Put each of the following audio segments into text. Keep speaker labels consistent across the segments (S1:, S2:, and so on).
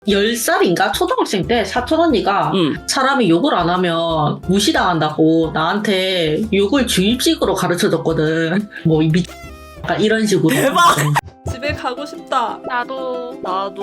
S1: 10살인가? 초등학생 때 사촌 언니가 사람이 욕을 안 하면 무시당한다고 나한테 욕을 주입식으로 가르쳐줬거든. 뭐 약간 이런 식으로.
S2: 대박! 집에 가고 싶다.
S3: 나도.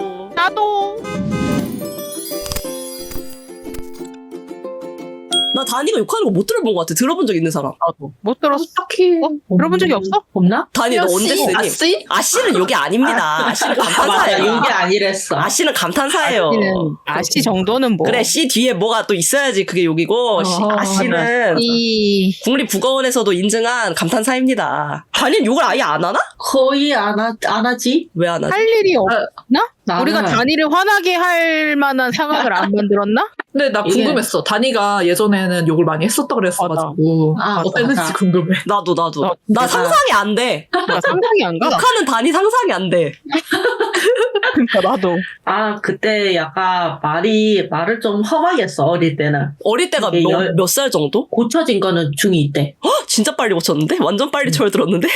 S2: 나 다니가 욕하는 거 못 들어본 것 같아. 들어본 적 있는 사람.
S3: 나도. 못 들었어.
S1: 딱히
S3: 들어본 적이 없어?
S1: 없나?
S2: 다니 너 언제 쓰니?
S1: 아씨?
S2: 아씨는 욕이 아닙니다. 아씨는
S1: 맞아,
S2: 감탄사예요.
S1: 욕이 아니랬어.
S2: 아씨는 감탄사예요.
S3: 아씨 정도는 뭐.
S2: 그래, 씨 뒤에 뭐가 또 있어야지 그게 욕이고, 아씨는 국립국어원에서도 인증한 감탄사입니다. 다니는 욕을 아예 안 하나?
S1: 거의 안 하지?
S2: 왜 안 하지?
S3: 할 일이 없나?
S1: 나는
S3: 우리가 다니를 화나게 할 만한 상황을 안 만들었나?
S4: 근데 나 궁금했어. 다니가 예전에는 욕을 많이 했었다 그랬어가지고 어땠는지 궁금해.
S2: 나도. 나 상상이 안 돼.
S3: 나 상상이 안 가.
S2: 욕하는 다니 상상이 안 돼.
S3: 그러니까 나도.
S1: 그때 약간 말을 좀 험하게 했어, 어릴 때는.
S2: 어릴 때가
S1: 이게
S2: 몇 살 정도?
S1: 고쳐진 거는 중2 때.
S2: 진짜 빨리 고쳤는데? 완전 빨리 철들었는데?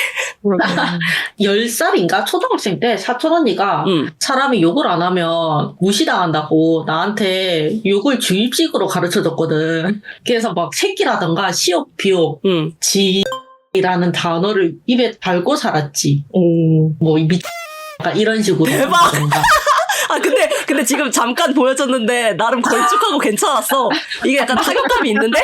S1: 10살인가? 초등학생 때 사촌 언니가 사람이 욕을 안 하면 무시당한다고 나한테 욕을 주입식으로 가르쳐줬거든. 그래서 막 새끼라던가 시옷, 비옷, 지라는 단어를 입에 달고 살았지. 뭐 약간 이런 식으로.
S2: 대박! 근데 지금 잠깐 보여줬는데 나름 걸쭉하고 괜찮았어. 이게 약간 타격감이 있는데?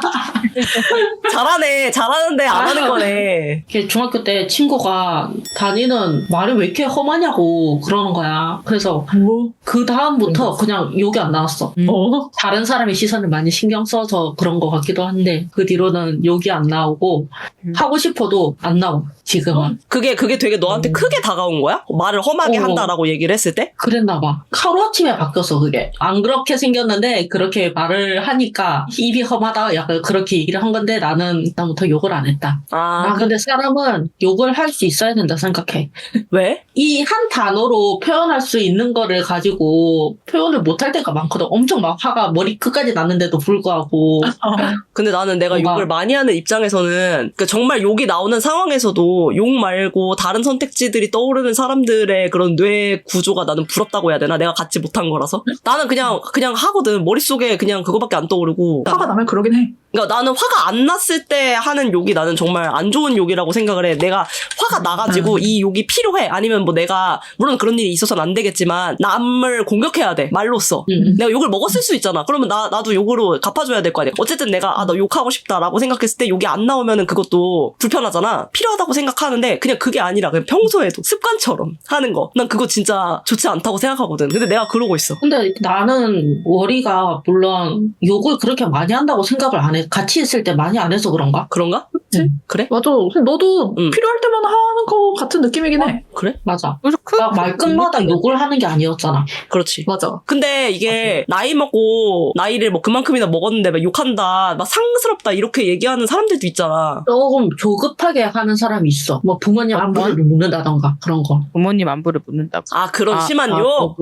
S2: 잘하는데 안 하는 거네.
S1: 중학교 때 친구가 다니는 말이 왜 이렇게 험하냐고 그러는 거야. 그래서 그 다음부터 그냥 욕이 안 나왔어. 다른 사람의 시선을 많이 신경 써서 그런 것 같기도 한데 그 뒤로는 욕이 안 나오고 하고 싶어도 안 나와. 지금은.
S2: 그게 되게 너한테 크게 다가온 거야? 말을 험하게 한다라고 얘기를 했을 때?
S1: 그랬나 봐. 하루아침에 바뀌었어, 그게. 안 그렇게 생겼는데 그렇게 말을 하니까 입이 험하다 약간 그렇게 얘기를 한 건데 나는 일단부터 욕을 안 했다. 근데 사람은 욕을 할 수 있어야 된다 생각해.
S2: 왜?
S1: 이 한 단어로 표현할 수 있는 거를 가지고 표현을 못할 때가 많거든. 엄청 막 화가 머리 끝까지 났는데도 불구하고.
S2: 근데 나는 내가
S1: 뭔가
S2: 욕을 많이 하는 입장에서는 그러니까 정말 욕이 나오는 상황에서도 욕 말고 다른 선택지들이 떠오르는 사람들의 그런 뇌 구조가 나는 부럽다고 해야 되나? 내가 갖지 못한 거라서. 나는 그냥 하거든. 머릿속에 그냥 그거밖에 안 떠오르고.
S4: 화가 나면 그러긴 해.
S2: 그러니까 나는 화가 안 났을 때 하는 욕이 나는 정말 안 좋은 욕이라고 생각을 해. 내가 화가 나가지고 이 욕이 필요해. 아니면 뭐 내가 물론 그런 일이 있어서는 안 되겠지만 남을 공격해야 돼. 말로써. 내가 욕을 먹었을 수 있잖아. 그러면 나도 욕으로 갚아줘야 될 거 아니야. 어쨌든 내가 나 욕하고 싶다라고 생각했을 때 욕이 안 나오면은 그것도 불편하잖아. 필요하다고 생각하는데 그냥 그게 아니라 그냥 평소에도 습관처럼 하는 거. 난 그거 진짜 좋지 않다고 생각하거든. 근데 내가 그러고 있어.
S1: 근데 나는 월이가 물론 욕을 그렇게 많이 한다고 생각을 안 해. 같이 있을 때 많이 안 해서 그런가?
S2: 그런가? 그래?
S4: 맞아. 너도 필요할 때만 하는 거 같은 느낌이긴 해.
S2: 그래?
S1: 맞아. 나 말끝마다 욕을 하는 게 아니었잖아.
S2: 그렇지.
S4: 맞아.
S2: 근데 이게 나이 먹고 나이를 뭐 그만큼이나 먹었는데 막 욕한다, 막 상스럽다 이렇게 얘기하는 사람들도 있잖아.
S1: 조금 조급하게 하는 사람이 있어. 뭐 부모님 안부를 묻는다던가 그런 거.
S3: 부모님 안부를 묻는다고.
S2: 그런 심한 욕?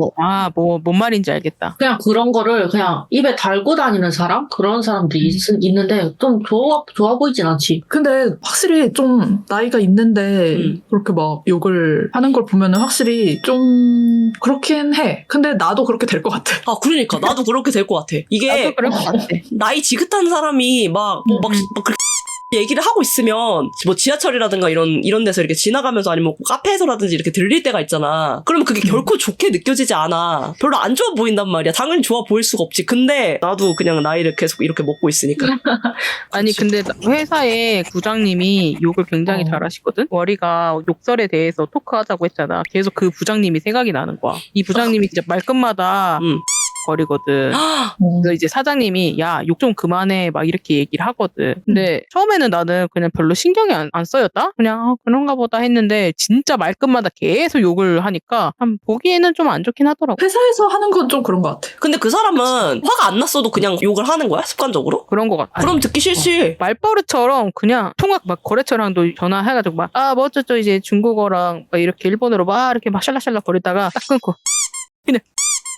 S3: 뭔 말인지 알겠다.
S1: 그냥 그런 거를 그냥 입에 달고 다니는 사람? 그런 사람들이 있는데 좀 좋아 보이진 않지.
S4: 근데 확실히 좀 나이가 있는데 그렇게 막 욕을 하는 걸 보면은 확실히 좀 그렇긴 해. 근데 나도 그렇게 될 것 같아.
S2: 그러니까 나도 그렇게 될 것 같아. 이게
S3: 나도 그럴 것 같아.
S2: 나이 지긋한 사람이 막 그렇게 얘기를 하고 있으면 뭐 지하철이라든가 이런 데서 이렇게 지나가면서 아니면 카페에서라든지 이렇게 들릴 때가 있잖아. 그러면 그게 결코 좋게 느껴지지 않아. 별로 안 좋아 보인단 말이야. 당연히 좋아 보일 수가 없지. 근데 나도 그냥 나이를 계속 이렇게 먹고 있으니까.
S3: 아니 근데 회사에 부장님이 욕을 굉장히 잘하시거든. 월이가 욕설에 대해서 토크하자고 했잖아. 계속 그 부장님이 생각이 나는 거야. 이 부장님이 진짜 말끝마다 거리거든. 그래서 이제 사장님이 야, 욕 좀 그만해 막 이렇게 얘기를 하거든. 근데 처음에는 나는 그냥 별로 신경이 안 써였다? 그냥 그런가 보다 했는데 진짜 말끝마다 계속 욕을 하니까 보기에는 좀 안 좋긴 하더라고.
S4: 회사에서 하는 건 좀 그런 것 같아.
S2: 근데 그 사람은 화가 안 났어도 그냥 욕을 하는 거야? 습관적으로?
S3: 그런 것 같아.
S2: 그럼 듣기 싫지.
S3: 말버릇처럼 그냥 통학 막 거래처랑도 전화해가지고 막 뭐 어쩌죠 이제 중국어랑 막 이렇게 일본어로 막 이렇게 막 샬락샬락 거리다가 딱 끊고 그냥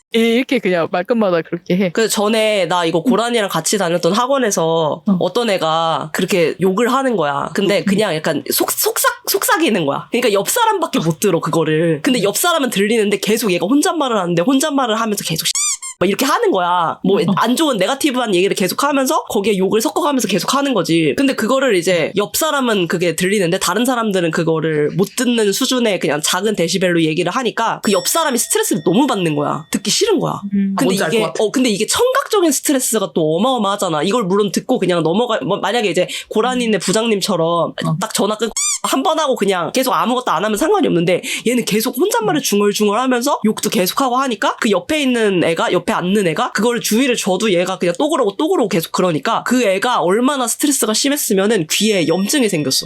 S3: 이렇게 그냥 말끝마다 그렇게 해.
S2: 그 전에 나 이거 고란이랑 같이 다녔던 학원에서 어떤 애가 그렇게 욕을 하는 거야. 근데 그냥 약간 속삭이는 거야. 그러니까 옆 사람밖에 못 들어 그거를. 근데 옆 사람은 들리는데 계속 얘가 혼잣말을 하는데 혼잣말을 하면서 계속 막 이렇게 하는 거야. 뭐 안 좋은 네거티브한 얘기를 계속 하면서 거기에 욕을 섞어가면서 계속 하는 거지. 근데 그거를 이제 옆 사람은 그게 들리는데 다른 사람들은 그거를 못 듣는 수준의 그냥 작은 데시벨로 얘기를 하니까 그 옆 사람이 스트레스를 너무 받는 거야. 듣기 싫은 거야. 근데
S4: 뭔지 알
S2: 이게
S4: 것 같아.
S2: 근데 이게 청각적인 스트레스가 또 어마어마하잖아. 이걸 물론 듣고 그냥 만약에 이제 고라니네 부장님처럼 딱 전화 끊고 한 번 하고 그냥 계속 아무것도 안 하면 상관이 없는데 얘는 계속 혼잣말을 중얼중얼 하면서 욕도 계속하고 하니까 그 옆에 있는 애가 옆에 앉는 애가 그거를 주의를 줘도 얘가 그냥 또 그러고 계속 그러니까 그 애가 얼마나 스트레스가 심했으면은 귀에 염증이 생겼어.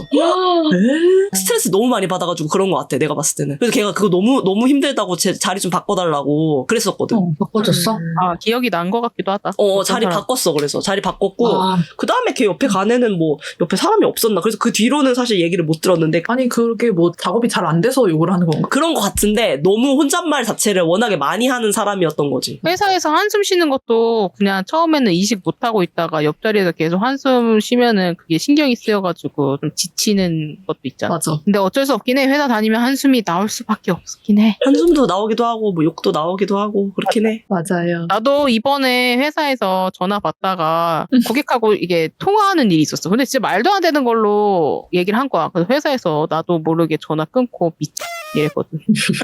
S2: 스트레스 너무 많이 받아가지고 그런 것 같아. 내가 봤을 때는. 그래서 걔가 그거 너무 힘들다고 제 자리 좀 바꿔달라고 그랬었거든.
S1: 바꿔줬어?
S3: 기억이 난 것 같기도 하다.
S2: 자리 바꿨어. 그래서 자리 바꿨고
S1: 아.
S2: 그 다음에 걔 옆에 간 애는 뭐 옆에 사람이 없었나. 그래서 그 뒤로는 사실 얘기를 못 들었는데
S4: 아니 그게 뭐 작업이 잘 안 돼서 욕을 하는 건가?
S2: 그런 것 같은데 너무 혼잣말 자체를 워낙에 많이 하는 사람이었던 거지.
S3: 회사에서 한숨 쉬는 것도 그냥 처음에는 인식 못하고 있다가 옆자리에서 계속 한숨 쉬면은 그게 신경이 쓰여가지고 좀 지치는 것도 있잖아.
S4: 맞아.
S3: 근데 어쩔 수 없긴 해. 회사 다니면 한숨이 나올 수밖에 없긴 해.
S2: 한숨도 나오기도 하고 뭐 욕도 나오기도 하고 그렇긴 해.
S4: 맞아요.
S3: 나도 이번에 회사에서 전화 받다가 고객하고 이게 통화하는 일이 있었어. 근데 진짜 말도 안 되는 걸로 얘기를 한 거야. 그래서 회사에서 나도 모르게 전화 끊고 이랬거든.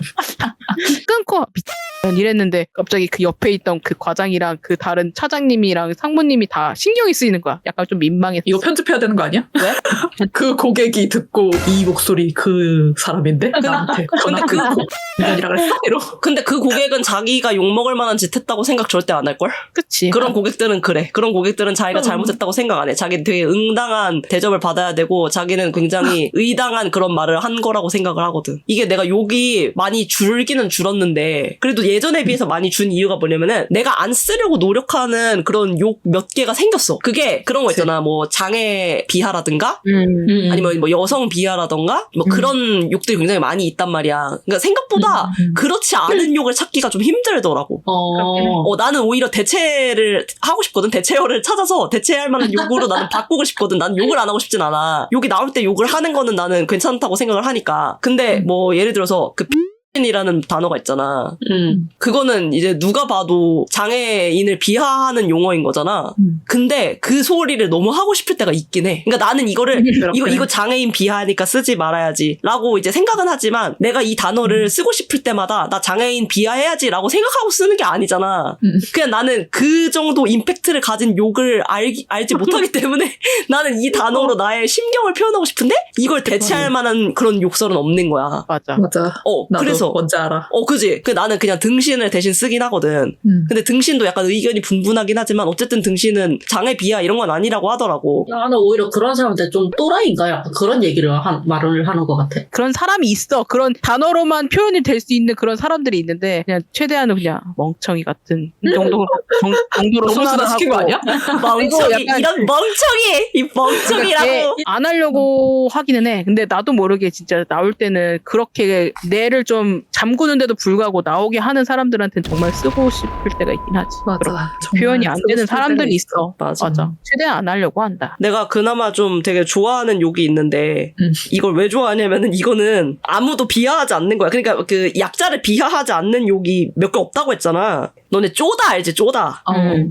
S3: 끊고 이랬는데 갑자기 그 옆에 있던 그 과장이랑 그 다른 차장님이랑 상무님이 다 신경이 쓰이는 거야. 약간 좀 민망했어.
S4: 이거 편집해야 되는 거 아니야?
S3: 왜?
S4: 그 고객이 듣고 이 목소리 그 사람인데 나한테 전화 끊고 이라 그랬어? 이러.
S2: 근데 그 고객은 자기가 욕먹을 만한 짓 했다고 생각 절대 안 할걸?
S3: 그치?
S2: 그런 고객들은 그래. 그런 고객들은 자기가 잘못했다고 생각 안 해. 자기는 되게 응당한 대접을 받아야 되고 자기는 굉장히 의당한 그런 말을 한 거라고 생각을 하거든. 이게 내가 욕이 많이 줄기는 줄었는데 그래도 예전에 비해서 많이 준 이유가 뭐냐면은 내가 안 쓰려고 노력하는 그런 욕 몇 개가 생겼어. 그게 그런 거 있잖아. 뭐 장애 비하라든가 아니면 뭐 여성 비하라던가 뭐 그런 욕들이 굉장히 많이 있단 말이야. 그러니까 생각보다 그렇지 않은 욕을 찾기가 좀 힘들더라고. 나는 오히려 대체를 하고 싶거든. 대체어를 찾아서 대체할 만한 욕으로 나는 바꾸고 싶거든. 나는 욕을 안 하고 싶진 않아. 욕이 나올 때 욕을 하는 거는 나는 괜찮다고 생각을 하니까. 근데 뭐 예를 들어서 그 이라는 단어가 있잖아. 그거는 이제 누가 봐도 장애인을 비하하는 용어인 거잖아. 근데 그 소리를 너무 하고 싶을 때가 있긴 해. 그러니까 나는 이거를 이거 장애인 비하니까 쓰지 말아야지라고 이제 생각은 하지만 내가 이 단어를 쓰고 싶을 때마다 나 장애인 비하해야지라고 생각하고 쓰는 게 아니잖아. 그냥 나는 그 정도 임팩트를 가진 욕을 알지 못하기 때문에 나는 이 단어로 나의 심경을 표현하고 싶은데 이걸 대체할 만한 그런 욕설은 없는 거야.
S3: 맞아.
S2: 그래서
S4: 뭔지 알아.
S2: 그지? 나는 그냥 등신을 대신 쓰긴 하거든. 근데 등신도 약간 의견이 분분하긴 하지만 어쨌든 등신은 장애 비하 이런 건 아니라고 하더라고.
S1: 나는 오히려 그런 사람한테 좀 또라이인가? 약간 그런 얘기를 말을 하는 것 같아.
S3: 그런 사람이 있어. 그런 단어로만 표현이 될 수 있는 그런 사람들이 있는데 그냥 최대한은 그냥 멍청이 같은 정도로
S4: 너무
S3: 순화를
S4: 시킨 거
S3: 하고
S4: 아니야?
S2: 멍청이
S3: 약간
S2: 이런 멍청이 이 멍청이라고.
S3: 안 하려고 하기는 해. 근데 나도 모르게 진짜 나올 때는 그렇게 뇌를 좀 잠그는데도 불구하고 나오게 하는 사람들한테는 정말 쓰고 싶을 때가 있긴 하지.
S4: 맞아.
S3: 표현이 안 되는 사람들이 있어.
S2: 맞아.
S3: 최대한 안 하려고 한다.
S2: 내가 그나마 좀 되게 좋아하는 욕이 있는데 이걸 왜 좋아하냐면은 이거는 아무도 비하하지 않는 거야. 그러니까 그 약자를 비하하지 않는 욕이 몇 개 없다고 했잖아. 너네 쪼다 알지? 쪼다.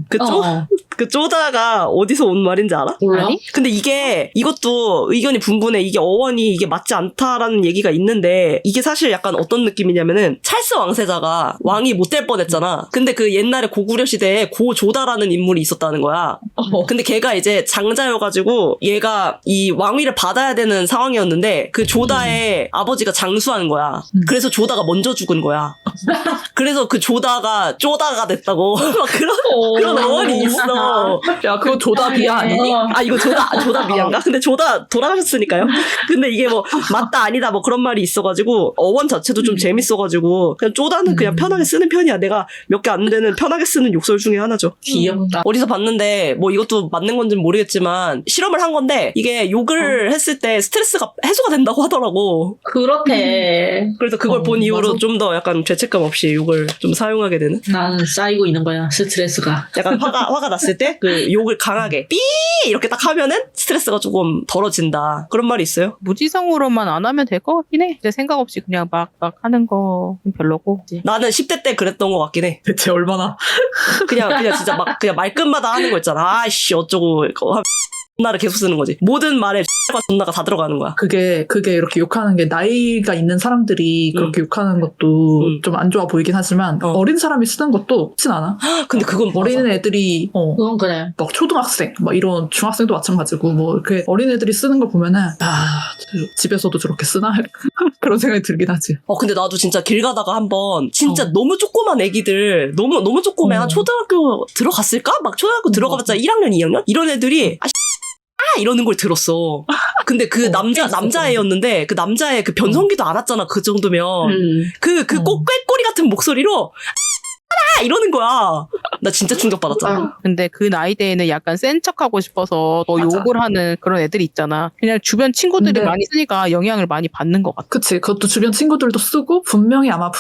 S2: 그 쪼다가 어디서 온 말인지 알아?
S1: 몰라?
S2: 근데 이것도 의견이 분분해. 이게 어원이 이게 맞지 않다라는 얘기가 있는데 이게 사실 약간 어떤 느낌이냐면은 찰스 왕세자가 왕이 못 될 뻔했잖아. 근데 그 옛날에 고구려 시대에 고조다라는 인물이 있었다는 거야. 근데 걔가 이제 장자여가지고 얘가 이 왕위를 받아야 되는 상황이었는데 그 조다의 아버지가 장수한 거야. 그래서 조다가 먼저 죽은 거야. 그래서 그 조다가 쪼다가 됐다고 막 그런 어원이 있어.
S4: 야, 그거 조다 비하 아니니?
S2: 이거 조다 비하인가? 근데 조다 돌아가셨으니까요. 근데 이게 뭐 맞다 아니다 뭐 그런 말이 있어가지고 어원 자체도 좀 재밌어가지고 그냥 쪼다는 그냥 편하게 쓰는 편이야. 내가 몇 개 안 되는 편하게 쓰는 욕설 중에 하나죠.
S1: 귀엽다.
S2: 어디서 봤는데 뭐 뭐 이것도 맞는 건지는 모르겠지만 실험을 한 건데 이게 욕을 했을 때 스트레스가 해소가 된다고 하더라고.
S1: 그렇대.
S2: 그래서 그걸 본 이후로 좀 더 약간 죄책감 없이 욕을 좀 사용하게 되는.
S1: 나는 쌓이고 있는 거야, 스트레스가.
S2: 약간 화가 났을 때 그 욕을 강하게 삐 이렇게 딱 하면은 스트레스가 조금 덜어진다. 그런 말이 있어요.
S3: 무지성으로만 안 하면 될 것 같긴 해. 이제 생각 없이 그냥 막 하는 거 별로고. 이제.
S2: 나는 10대 때 그랬던 것 같긴 해.
S4: 대체 얼마나?
S2: 그냥 진짜 막 그냥 말끝마다 하는 거 있잖아. 아이씨 어쩌고 나를 계속 쓰는 거지. 모든 말에 X가 존나가 다 들어가는 거야.
S4: 그게 이렇게 욕하는 게 나이가 있는 사람들이 그렇게 욕하는 것도 좀 안 좋아 보이긴 하지만 어린 사람이 쓰는 것도 없진 않아.
S2: 근데 그건
S4: 어린 애들이
S1: 그건 그래.
S4: 막 초등학생 막 이런 중학생도 마찬가지고 뭐 이렇게 어린 애들이 쓰는 걸 보면은 집에서도 저렇게 쓰나 그런 생각이 들긴 하지.
S2: 근데 나도 진짜 길 가다가 한번 진짜 너무 조그만 애기들 너무 조그매 한 초등학교 들어갔을까? 막 초등학교 들어가봤자 1학년 2학년 이런 애들이 이러는 걸 들었어. 근데 그 남자애였는데 그 남자애 그 변성기도 알았잖아. 그 정도면 그 꾀꼬리 같은 목소리로 이러는 거야. 나 진짜 충격받았잖아.
S3: 근데 그 나이대에는 약간 센 척하고 싶어서 더 욕을 하는 그런 애들이 있잖아. 그냥 주변 친구들이 많이 쓰니까 영향을 많이 받는 것 같아.
S4: 그치. 그것도 주변 친구들도 쓰고 분명히 아마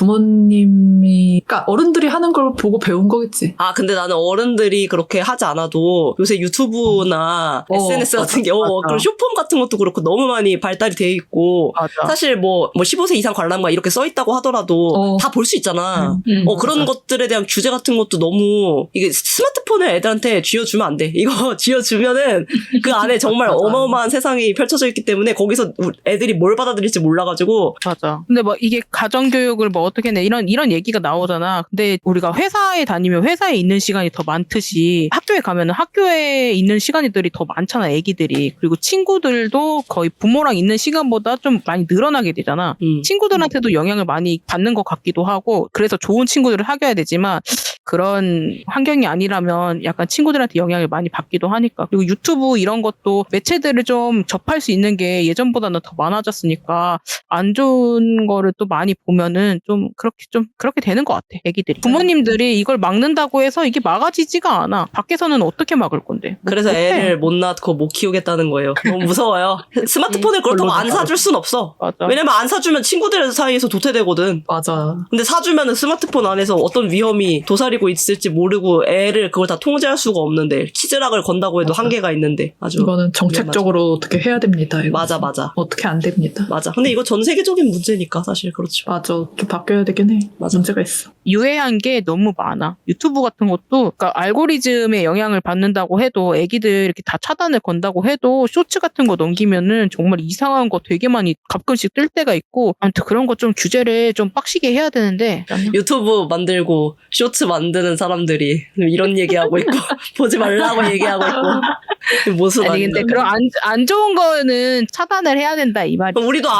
S4: 부모님이 그러니까 어른들이 하는 걸 보고 배운 거겠지.
S2: 근데 나는 어른들이 그렇게 하지 않아도 요새 유튜브나 SNS 같은 게 그런 쇼폼 같은 것도 그렇고 너무 많이 발달이 돼 있고 사실 뭐 15세 이상 관람가 이렇게 써 있다고 하더라도 다 볼 수 있잖아. 그런 것들에 대한 규제 같은 것도 너무 이게 스마트폰을 애들한테 쥐어주면 안 돼. 이거 쥐어주면은 그 안에 정말 어마어마한 세상이 펼쳐져 있기 때문에 거기서 애들이 뭘 받아들일지 몰라가지고.
S3: 맞아. 근데 뭐 이게 가정교육을 뭐 어떻게 해 이런 얘기가 나오잖아. 근데 우리가 회사에 다니면 회사에 있는 시간이 더 많듯이 학교에 가면은 학교에 있는 시간들이 더 많잖아. 애기들이. 그리고 친구들도 거의 부모랑 있는 시간보다 좀 많이 늘어나게 되잖아. 친구들한테도 영향을 많이 받는 것 같기도 하고 그래서 좋은 친구들을 사귀어야 되지만 그런 환경이 아니라면 약간 친구들한테 영향을 많이 받기도 하니까. 그리고 유튜브 이런 것도 매체들을 좀 접할 수 있는 게 예전보다는 더 많아졌으니까 안 좋은 거를 또 많이 보면은 좀 그렇게 되는 것 같아. 애기들이. 부모님들이 이걸 막는다고 해서 이게 막아지지가 않아. 밖에서는 어떻게 막을 건데.
S2: 그래서 애를 못 낳고 못 키우겠다는 거예요. 너무 무서워요. 스마트폰을 그렇다고 안 사줄 순 없어.
S3: 맞아.
S2: 왜냐면 안 사주면 친구들 사이에서 도태되거든.
S4: 맞아.
S2: 근데 사주면은 스마트폰 안에서 어떤 위험이 도사리고 있을지 모르고 애를 그걸 다 통제할 수가 없는데 치즈락을 건다고 해도 한계가 있는데 아주
S4: 이거는 정책적으로 어떻게 해야 됩니다. 이거.
S2: 맞아.
S4: 어떻게 안 됩니다.
S2: 맞아. 근데 이거 전 세계적인 문제니까 사실 그렇죠.
S4: 맞아. 좀 바뀌어야 되긴 해.
S2: 맞아.
S4: 문제가 있어.
S3: 유해한 게 너무 많아. 유튜브 같은 것도 그러니까 알고리즘에 영향을 받는다고 해도 애기들 이렇게 다 차단을 건다고 해도 쇼츠 같은 거 넘기면은 정말 이상한 거 되게 많이 가끔씩 뜰 때가 있고 아무튼 그런 거 좀 규제를 좀 빡시게 해야 되는데
S2: 유튜브 만들고 쇼츠 만드는 사람들이 이런 얘기하고 있고 보지 말라고 얘기하고 있고 모습
S3: 아니 근데 그런 안 좋은 거는 차단을 해야 된다 이 말이야.
S2: 우리도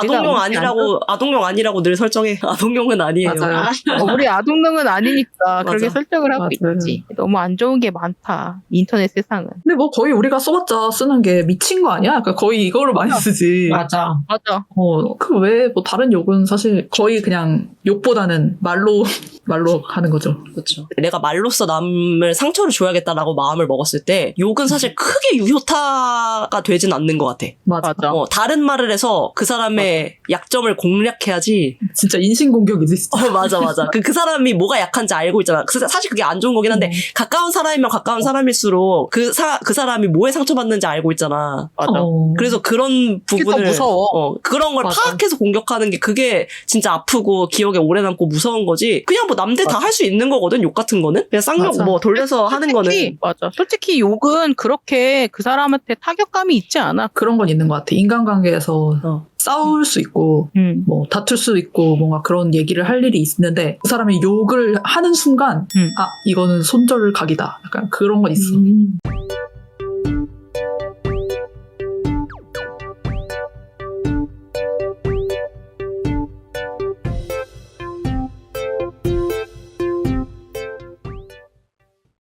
S2: 아동용 아니라고 늘 설정해. 아동용은 아니에요.
S4: 맞아요.
S3: 우리 아동용은 아니니까 그렇게
S2: 맞아.
S3: 설정을 하고
S4: 맞아요.
S3: 있지. 너무 안 좋은 게 많다. 인터넷 세상은.
S4: 근데 뭐 거의 우리가 써봤자 쓰는 게 미친 거 아니야? 그러니까 거의 이거를 많이 쓰지.
S1: 맞아.
S4: 그 외에 뭐 다른 욕은 사실 거의 그냥 욕보다는 말로 하는 거죠.
S2: 그렇죠. 내가 말로써 남을 상처를 줘야겠다라고 마음을 먹었을 때 욕은 사실 크게 유효타가 되진 않는 것 같아.
S4: 맞아.
S2: 다른 말을 해서 그 사람의 약점을 공략해야지.
S4: 진짜 인신공격이지 진짜.
S2: 맞아. 그 사람이 뭐가 약한지 알고 있잖아. 사실 그게 안 좋은 거긴 한데 가까운 사람이면 가까운 사람일수록 그 사람이 뭐에 상처받는지 알고 있잖아.
S3: 맞아.
S2: 그래서 그런 부분을
S3: 무서워.
S2: 그런 걸
S3: 맞아.
S2: 파악해서 공격하는 게 그게 진짜 아프고 기억에 오래 남고 무서운 거지. 그냥 뭐 남들 다 할 수 있는 거거든. 욕 같은 거는 그냥 쌍욕
S4: 맞아.
S2: 뭐 돌려서 하는 거는.
S3: 맞아. 솔직히 욕은 그렇게 그 사람한테 타격감이 있지 않아.
S4: 그런 건 있는 것 같아. 인간관계에서 싸울 수 있고 뭐 다툴 수 있고 뭔가 그런 얘기를 할 일이 있는데 그 사람이 욕을 하는 순간 이거는 손절 각이다. 약간 그런 건 있어.